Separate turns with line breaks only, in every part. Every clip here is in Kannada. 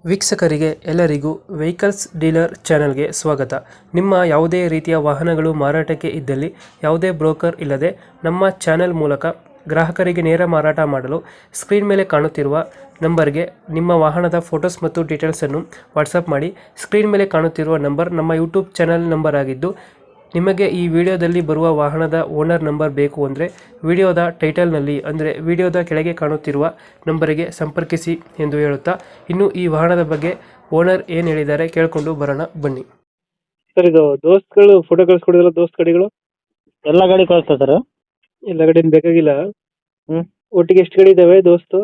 ವೀಕ್ಷಕರಿಗೆ ಎಲ್ಲರಿಗೂ ವೆಹಿಕಲ್ಸ್ ಡೀಲರ್ ಚಾನೆಲ್ಗೆ ಸ್ವಾಗತ. ನಿಮ್ಮ ಯಾವುದೇ ರೀತಿಯ ವಾಹನಗಳು ಮಾರಾಟಕ್ಕೆ ಇದ್ದಲ್ಲಿ ಯಾವುದೇ ಬ್ರೋಕರ್ ಇಲ್ಲದೆ ನಮ್ಮ ಚಾನೆಲ್ ಮೂಲಕ ಗ್ರಾಹಕರಿಗೆ ನೇರ ಮಾರಾಟ ಮಾಡಲು ಸ್ಕ್ರೀನ್ ಮೇಲೆ ಕಾಣುತ್ತಿರುವ ನಂಬರ್ಗೆ ನಿಮ್ಮ ವಾಹನದ ಫೋಟೋಸ್ ಮತ್ತು ಡೀಟೇಲ್ಸನ್ನು ವಾಟ್ಸಪ್ ಮಾಡಿ. ಸ್ಕ್ರೀನ್ ಮೇಲೆ ಕಾಣುತ್ತಿರುವ ನಂಬರ್ ನಮ್ಮ ಯೂಟ್ಯೂಬ್ ಚಾನೆಲ್ ನಂಬರ್ ಆಗಿದ್ದು, ನಿಮಗೆ ಈ ವಿಡಿಯೋದಲ್ಲಿ ಬರುವ ವಾಹನದ ಓನರ್ ನಂಬರ್ ಬೇಕು ಅಂದರೆ ವಿಡಿಯೋದ ಟೈಟಲ್ನಲ್ಲಿ ಅಂದರೆ ವಿಡಿಯೋದ ಕೆಳಗೆ ಕಾಣುತ್ತಿರುವ ನಂಬರಿಗೆ ಸಂಪರ್ಕಿಸಿ ಎಂದು ಹೇಳುತ್ತಾ, ಇನ್ನು ಈ ವಾಹನದ ಬಗ್ಗೆ ಓನರ್ ಏನು ಹೇಳಿದ್ದಾರೆ ಕೇಳಿಕೊಂಡು ಬರೋಣ ಬನ್ನಿ. ಸರ್, ಇದು ದೋಸ್ತ್ಗಳು ಫೋಟೋ ಕಳಿಸ್ಕೊಡಿದಲ್ಲ, ದೋಸ್ತ್ ಗಾಡಿಗಳು
ಎಲ್ಲ ಗಾಡಿ ಕಳಿಸ್ತಾ ಸರ್.
ಎಲ್ಲ ಗಾಡಿನ ಬೇಕಾಗಿಲ್ಲ.
ಹ್ಞೂ
ಒಟ್ಟಿಗೆ ಎಷ್ಟು ಗಾಡಿ ಇದಾವೆ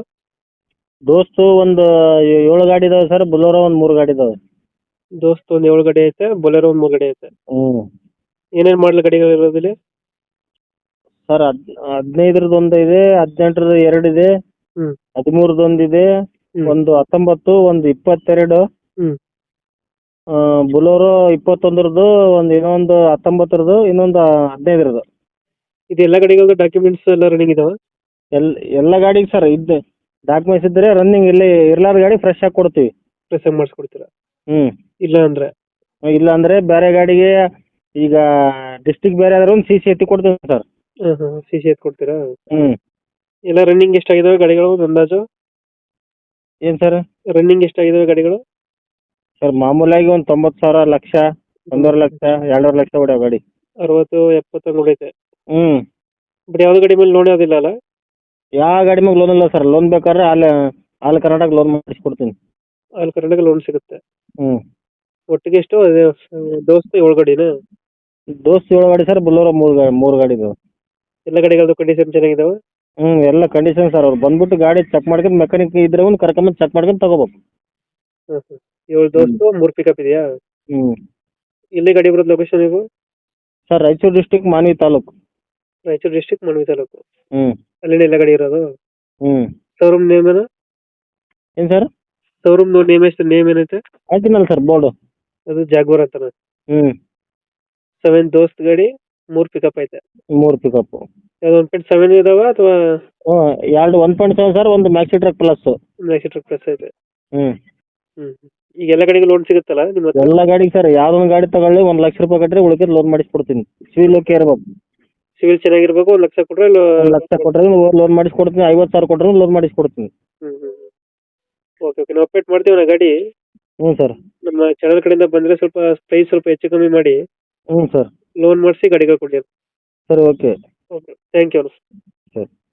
ದೋಸ್ತು ಒಂದು 7 ಗಾಡಿ ಇದಾವೆ ಸರ್. ಬುಲೋರೋ ಒಂದು 3 ಗಾಡಿ ಇದಾವೆ.
ದೋಸ್ತ್ ಒಂದು 7 ಗಾಡಿ ಐತೆ, ಬೊಲೆರೋ ಒಂದು 3 ಗಾಡಿ ಐತೆ.
ಹ್ಞೂ
ಏನೇನು ಮಾಡಲು ಗಾಡಿಗಳು ಇರೋದಿಲ್ಲ
ಸರ್. 15ರದ್ದು ಒಂದು ಇದೆ, 18ರದ್ದು 2 ಇದೆ,
ಹ್ಞೂ
13ರದ್ದು ಒಂದು ಇದೆ, ಒಂದು 19, ಒಂದು 22,
ಹ್ಞೂ
ಬುಲೋರೋ 21ರದ್ದು, ಇನ್ನೊಂದು 19ರದ್ದು, ಇನ್ನೊಂದು 15ರದ್ದು.
ಇದು ಎಲ್ಲ ಗಾಡಿಗಳದ್ದು ಡಾಕ್ಯುಮೆಂಟ್ಸ್ ಎಲ್ಲ ರನ್ನಿಂಗ್ ಇದಾವೆ.
ಎಲ್ಲ ಗಾಡಿಗೆ ಸರ್ ಇದ್ದು ಡಾಕ್ಯುಮೆಂಟ್ಸ್ ಇದ್ದರೆ ರನ್ನಿಂಗ್, ಇಲ್ಲಿ ಇರ್ಲಾರ್ದ ಗಾಡಿ ಫ್ರೆಶ್ ಆಗಿ ಕೊಡ್ತೀವಿ.
ಪ್ರೆಸ್ ಮಾಡಿಸ್ಕೊಡ್ತೀರಾ?
ಹ್ಞೂ
ಇಲ್ಲ ಅಂದರೆ
ಇಲ್ಲ ಅಂದರೆ ಬೇರೆ ಗಾಡಿಗೆ, ಈಗ ಡಿಸ್ಟಿಕ್ ಬೇರೆ ಆದ್ರೆ ಒಂದು CC ಎತ್ತಿ ಕೊಡ್ತೀವಿ ಸರ್.
ಹಾಂ ಸಿ ಸಿ ಎತ್ ಕೊಡ್ತೀರಾ?
ಹ್ಞೂ
ಎಲ್ಲ ರನ್ನಿಂಗ್ ಎಷ್ಟಾಗಿದಾವೆ ಗಾಡಿಗಳು ಅಂದಾಜು?
ಏನು ಸರ್?
ರನ್ನಿಂಗ್ ಎಷ್ಟಾಗಿದಾವೆ ಗಾಡಿಗಳು?
ಸರ್ ಮಾಮೂಲಾಗಿ ಒಂದು 90,000, ಲಕ್ಷ, 1.5 ಲಕ್ಷ, 2.5 ಲಕ್ಷ ಹೊಡ್ಯಾವ ಗಾಡಿ.
60-70 ಉಳಿತೆ.
ಹ್ಞೂ
ಬಟ್ ಯಾವ್ದು ಗಾಡಿ ಮೇಲೆ ಲೋನ್ ಯಾವುದಿಲ್ಲ ಅಲ್ಲ?
ಯಾವ ಗಾಡಿ ಮ್ಯಾಗ ಲೋನ್ ಇಲ್ಲ ಸರ್. ಲೋನ್ ಬೇಕಾದ್ರೆ ಆಲ್ ಕರ್ನಾಟಕ ಲೋನ್ ಮಾಡಿಸ್ಕೊಡ್ತೀನಿ.
ಆಲ್ ಕರ್ನಾಟಕ ಲೋನ್ ಸಿಗುತ್ತೆ.
ಹ್ಞೂ
ಒಟ್ಟಿಗೆ ಎಷ್ಟು ಅದೇ ದೋಸ್ತ್ 7 ಗಾಡಿನಾ?
ದೋಸ್ತ್ 7 ಗಾಡಿ ಸರ್. ಬುಲೋರೋ 3 ಗಾಡಿ ಇದಾವೆ.
ಎಲ್ಲ ಗಾಡಿಗಳದ್ದು ಕಂಡೀಷನ್ ಚೆನ್ನಾಗಿದಾವೆ?
ಹ್ಞೂ ಎಲ್ಲ ಕಂಡೀಷನ್ ಸರ್. ಅವ್ರು ಬಂದ್ಬಿಟ್ಟು ಗಾಡಿ ಚೆಕ್ ಮಾಡ್ಕೊಂಡು, ಮೆಕ್ಯಾನಿಕ್ ಇದ್ರೆ ಒಂದು ಕರ್ಕೊಂಬಂದು ಚೆಕ್ ಮಾಡ್ಕೊಂಡು ತಗೋಬೇಕು.
ಹಾಂ 7 ದೋಸ್ತು 3 ಪಿಕಪ್ ಇದೆಯಾ?
ಹ್ಞೂ
ಎಲ್ಲಿ ಗಾಡಿ ಬರೋದು ಲೊಕೇಶನ್ ಇದು?
Sir Raichur district, Manvi taluk.
Raichur district, Manvi taluk.
ಹ್ಞೂ
ಅಲ್ಲಿನ ಎಲ್ಲ ಗಾಡಿ ಇರೋದು?
ಹ್ಞೂ
ಶೋರೂಮ್ ನೇಮ್ ಏನು?
ಏನು ಸರ್?
ಶೋರೂಮ್ ನೇಮ್ ಏನೈತೆ?
ಹಾಕಿನಲ್ಲ ಸರ್ ಬೋರ್ಡು.
ಅದು ಜಾಗ್ವಾರ್ ಅಂತಾನೆ.
ಹ್ಞೂ
7 ದೋಸ್ತ್ ಗಾಡಿ, 3 ಪಿಕಪ್ ಐತೆ.
3 ಪಿಕಪ್ಪು.
ಯಾವ್ದು 1.7 ಇದಾವ ಅಥವಾ?
ಹ್ಞೂ 1.7 ಸರ್, ಒಂದು maxi truck plus.
Maxi plus ಐತೆ.
ಹ್ಞೂ
ಈಗ ಎಲ್ಲ ಗಾಡಿಗೆ ಲೋನ್ ಸಿಗುತ್ತಲ್ಲ ನಿಮ್ಮ ಹತ್ರ?
ಎಲ್ಲ ಗಾಡಿಗೆ ಸರ್, ಯಾವ್ದೊಂದು ಗಾಡಿ ತಗೊಳ್ಳಿ 1 ಲಕ್ಷ ರೂಪಾಯಿ ಕಟ್ಟಿದ್ರೆ ಉಳಿಕೆ ಲೋನ್ ಮಾಡಿಸ್ಕೊಡ್ತೀನಿ. ಸಿವಿಲ್ ಓಕೆ ಇರ್ಬೇಕು.
ಸಿವಿಲ್ ಚೆನ್ನಾಗಿರ್ಬೇಕು. 1 ಲಕ್ಷ ಕೊಟ್ರೆ
1 ಲಕ್ಷ ಕೊಟ್ಟರೆ ಲೋನ್ ಮಾಡಿಸ್ಕೊಡ್ತೀನಿ. 50,000 ಕೊಟ್ಟರೆ ಲೋನ್ ಮಾಡಿಸ್ಕೊಡ್ತೀನಿ.
ಓಕೆ ನಾವು ಅಪ್ಡೇಟ್ ಮಾಡ್ತೀವಿ ನಾ ಗಾಡಿ.
ಹ್ಞೂ ಸರ್.
ನಮ್ಮ ಚಾನಲ್ ಕಡೆಯಿಂದ ಬಂದರೆ ಸ್ವಲ್ಪ ಪ್ರೈಸ್ ಸ್ವಲ್ಪ ಹೆಚ್ಚು ಕಮ್ಮಿ ಮಾಡಿ
ಹ್ಞೂ ಸರ್.
ಲೋನ್ ಮಾಡಿಸಿ ಗಾಡಿಗಳು ಕೊಡಿ.
ಸರಿ, ಓಕೆ.
Okay, thank you.
ಸರಿ.